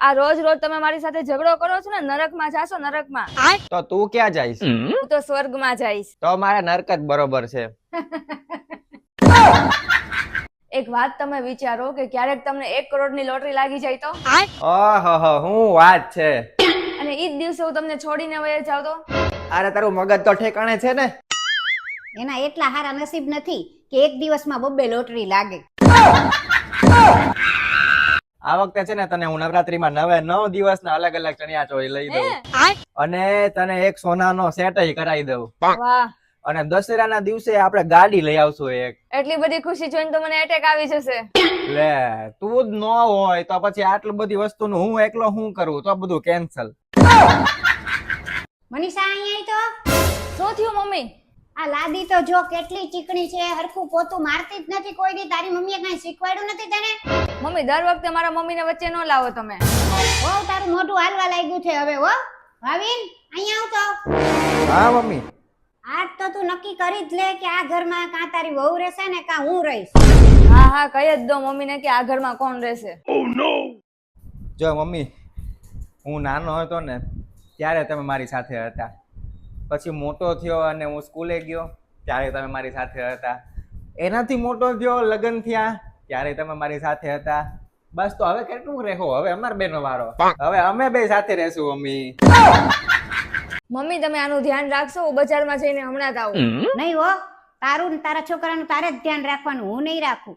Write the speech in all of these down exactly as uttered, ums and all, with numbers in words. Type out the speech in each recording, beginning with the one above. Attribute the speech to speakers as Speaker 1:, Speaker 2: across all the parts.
Speaker 1: આ રોજ રોજ તમે મારી સાથે ઝઘડો કરો છો ને, નરકમાં જાશો, નરકમાં.
Speaker 2: તો તું ક્યાં જઈશ?
Speaker 1: હું તો સ્વર્ગમાં જઈશ.
Speaker 2: તો મારા નરક જ બરોબર છે.
Speaker 1: એક વાત તમે વિચારો કે ક્યારેક તમને એક કરોડની લોટરી લાગી જાય તો,
Speaker 2: ઓહો હું વાત છે.
Speaker 1: અને ઈ જ દિવસે હું તમને છોડીને વહી જાવ તો.
Speaker 2: અરે તારું મગજ તો ઠેકાણે છે ને.
Speaker 3: એના એટલા હારા નસીબ નથી કે એક દિવસમાં બબ્બે લોટરી લાગે.
Speaker 2: આ વખતે છે ને તને હું નવરાત્રીમાં નવે નવ દિવસના અલગ અલગ ચણિયા ચોળી લઈ દઉં અને તને એક સોનાનો સેટ કરાવી દઉં.
Speaker 1: વાહ,
Speaker 2: અને દશેરાના દિવસે આપણે ગાડી લઈ આવશું એક.
Speaker 1: એટલી બધી ખુશી જોઈને તો મને એટેક આવી જશે.
Speaker 2: લે તું જ ન હોય તો પછી આટલી બધી વસ્તુનું હું એકલો હું કરું? તો બધું કેન્સલ.
Speaker 3: મનીષા અહીંયા તો
Speaker 1: શું થયું મમ્મી?
Speaker 3: આ લાદી તો જો કેટલી ચીકણી છે, હરખું પોતું મારતી જ નથી કોઈ દી. તારી મમ્મીએ કઈ શીખવાડ્યું નથી તને?
Speaker 1: મમ્મી દર વખતે મારા મમ્મીને વચ્ચે ન લાવો તમે.
Speaker 3: હો તારું મોઢું હાલવા લાગ્યું છે હવે. હો ભાવિન અહીંયા આવતો.
Speaker 2: હા મમ્મી.
Speaker 3: આજ તો તું નક્કી કરી જ લે કે આ ઘરમાં કાં તારી વહુ રહેશે ને કાં હું રહીશ.
Speaker 1: હા હા કહી જ દો મમ્મીને કે આ ઘરમાં કોણ રહેશે.
Speaker 2: જો મમ્મી, હું નાનો હતો ને ત્યારે તમે મારી સાથે હતા. પછી મોટો થયો અને હું સ્કૂલે ગયો ત્યારે તમે મારી સાથે હતા. એનાથી મોટો થયો, લગ્ન થયા ત્યારે તમે મારી સાથે હતા. બસ તો હવે કેટલું રહેવો? હવે અમાર બેનો વારો. હવે અમે બે સાથે રહેશું મમ્મી.
Speaker 1: મમ્મી તમે આનું ધ્યાન રાખશો, હું બજારમાં જઈને હમણાં જ આવું.
Speaker 3: નહીં હો, તારું ને તારા છોકરાનું તારે જ ધ્યાન રાખવાનું, હું નહીં રાખું.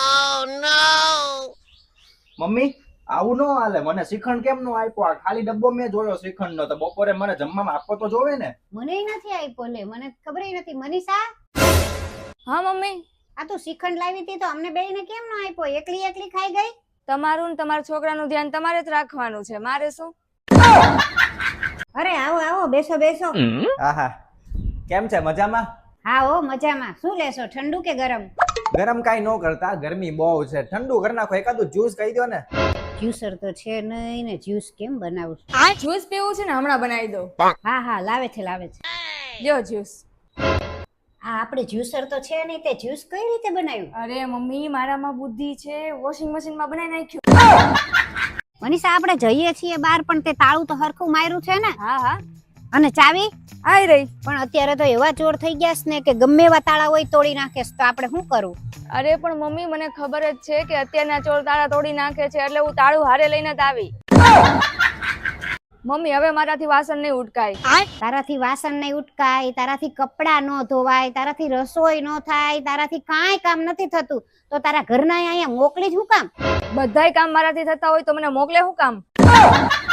Speaker 2: મમ્મી આવું ન હાલે. મને શ્રીખંડ કેમ નો આપ્યો? આ ખાલી ડબ્બો મેં જોયો શ્રીખંડ નો. તો બપોરે મને જમવામાં આપવો તો જોવે ને.
Speaker 3: મને નથી આપ્યો લે, મને ખબર નથી. મનીષા,
Speaker 1: હા મમ્મી.
Speaker 3: આ તું શ્રીખંડ લાવી હતી તો અમને બેયને કેમ ન આપ્યો? એકલી એકલી ખાઈ ગઈ.
Speaker 1: તમારું ને તમારા છોકરાનું ધ્યાન તમારે જ રાખવાનું છે, મારે શું?
Speaker 3: અરે આવો આવો, બેસો બેસો.
Speaker 2: આહા, કેમ છે? મજામાં?
Speaker 3: હા હો મજામાં. શું લેશો, ઠંડુ કે ગરમ?
Speaker 2: ગરમ કાઈ ન કરતા, ગરમી બહુ છે. ઠંડુ કરી નાખો. એકાદું જ્યુસ કહી દો ને.
Speaker 3: જ્યુસર તો છે નહીં ને, જ્યુસ કેમ બનાવું?
Speaker 1: જ્યુસ પીવું છે ને, હમણાં બનાવી દો.
Speaker 3: હા હા લાવે છે લાવે છે.
Speaker 1: લ્યો જ્યુસ.
Speaker 3: હા આપણે જ્યુસર તો છે નહીં, તે જ્યુસ કઈ રીતે બનાવ્યું?
Speaker 1: અરે મમ્મી મારામાં બુદ્ધિ છે, વોશિંગ મશીનમાં બનાવી નાખ્યું.
Speaker 3: મનીષા આપણે જઈએ છીએ બહાર, પણ તે તાળું તો હરખું માર્યું છે ને?
Speaker 1: હા હા
Speaker 3: અને ચાવી
Speaker 1: આઈ રહી.
Speaker 3: પણ અત્યારે તો એવા ચોર થઈ ગયા છે ને કે ગમે એવા તાળા હોય તોડી નાખે છે. તો આપણે શું કરવું?
Speaker 1: અરે પણ મમ્મી મને ખબર જ છે કે અત્યારના ચોર તાળા તોડી નાખે છે, એટલે હું તાળું હારે લઈને જ આવી. મમ્મી હવે મારાથી વાસણ નહીં ઉટકાય.
Speaker 3: તારાથી વાસણ નહીં ઉટકાય, તારાથી કપડા ન ધોવાય, તારાથી રસોઈ ન થાય, તારાથી કાંઈ કામ નથી થતું. તો તારા ઘરના અહીંયા મોકલી જ હું કામ?
Speaker 1: બધાય કામ મારાથી થતા હોય તો મને મોકલે શું કામ?